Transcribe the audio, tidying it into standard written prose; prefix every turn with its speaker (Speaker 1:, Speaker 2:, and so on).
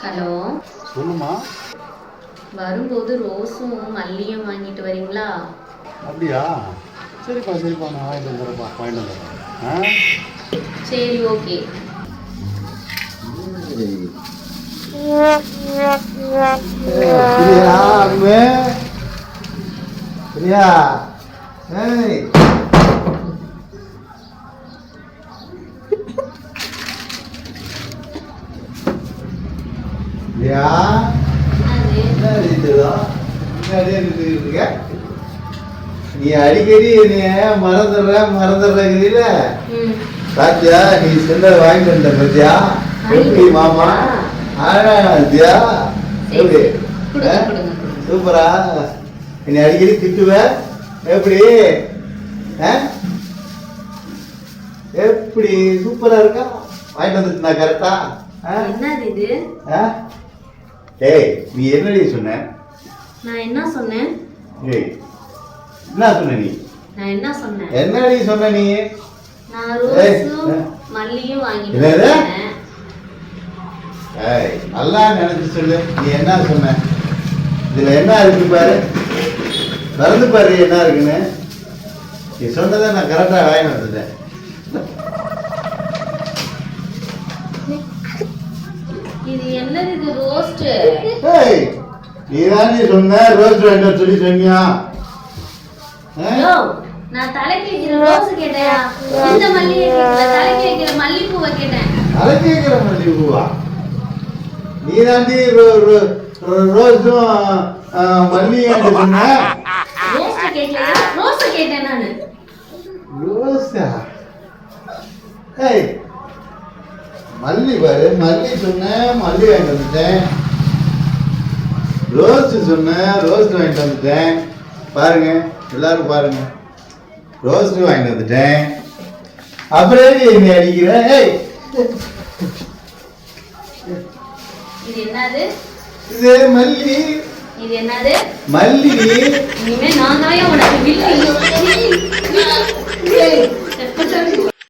Speaker 1: Hello
Speaker 2: சொல்லுமா.
Speaker 1: வரும்போது ரோஸும் மல்லியும் வாங்கிட்டு வரீங்களா?
Speaker 2: அப்படியா? சரிப்பா சரிப்பா, நான் வாங்கிட்டு வந்துடுறேன்ப்பா, வாங்கிட்டு வந்துடுறேன்.
Speaker 1: சரி ஓகே.
Speaker 2: பிரியா அம்மே பிரியா, ஏய் பிரியா, என்ன அடிச்சதோ இருக்க? நீ அடிக்கடி மறந்துடுறீல. பாத்தியா, நீ சொன்ன வாங்கிட்டு வந்த பத்தியா? எப்படி மாமா? ஆதியா எப்படி சூப்பரா? நீ அடிக்கடி திட்டுவ எப்படி? எப்படி சூப்பரா இருக்கா? வாங்கிட்டு வந்துட்டு நான் கரெக்டா? ஏய், நீ என்னடி சொன்ன?
Speaker 1: நான் என்ன சொன்னேன்?
Speaker 2: ஏய், என்ன சொன்ன நீ?
Speaker 1: நான் என்ன சொன்னேன்?
Speaker 2: என்னடி சொன்ன நீ?
Speaker 1: நான் ரோஸும் மல்லியும் வாங்கிட்டு வந்தேன்.
Speaker 2: ஏய், நல்லா நினைச்சு சொல்லு. நீ என்ன சொன்ன? இதுல என்ன இருக்கு பாரு, மறந்து பாரு என்ன இருக்குன்னு. நீ சொன்னதை நான் கரெக்டா வாங்கிட்டு வந்துட்டேன்.
Speaker 1: இது என்னது? இது ரோஸ்ட்.
Speaker 2: ஏய், நீ தான் சொன்ன ரோஸ்ட் வாங்கிட்டு சொல்லி சொன்னியா?
Speaker 1: நான் தலைக்கு வைக்கிற ரோஸ் கேட்டேன். இந்த மல்லிகை கேட்கல, தலைக்கு வைக்கிற மல்லிப்பூவை கேட்டேன்.
Speaker 2: தலைக்கு வைக்கிற மல்லிப்பூவா? நீ தாண்டி ரோஸும் மல்லியும் சொன்ன.
Speaker 1: ரோஸ் கேட்கல, ரோஸ் கேட்டேன் நானு.
Speaker 2: ரோஸா? ஏய், மல்லி பாரு, மல்லி சொன்ன, மல்லி வாங்கிட்டு வந்துட்டேன். ரோஸ் சொன்ன, ரோஸ் வாங்கிட்டு வந்துட்டேன். பாருங்க எல்லாரும் பாருங்க, ரோஸ் வாங்கிட்டு வந்துட்டேன். அப்புறம் என்ன அடிக்கிற?
Speaker 1: இது என்னது?
Speaker 2: இது மல்லி.
Speaker 1: இது என்னது?
Speaker 2: மல்லி.
Speaker 1: இனிமே நான் தான் உனக்கு வில்லி.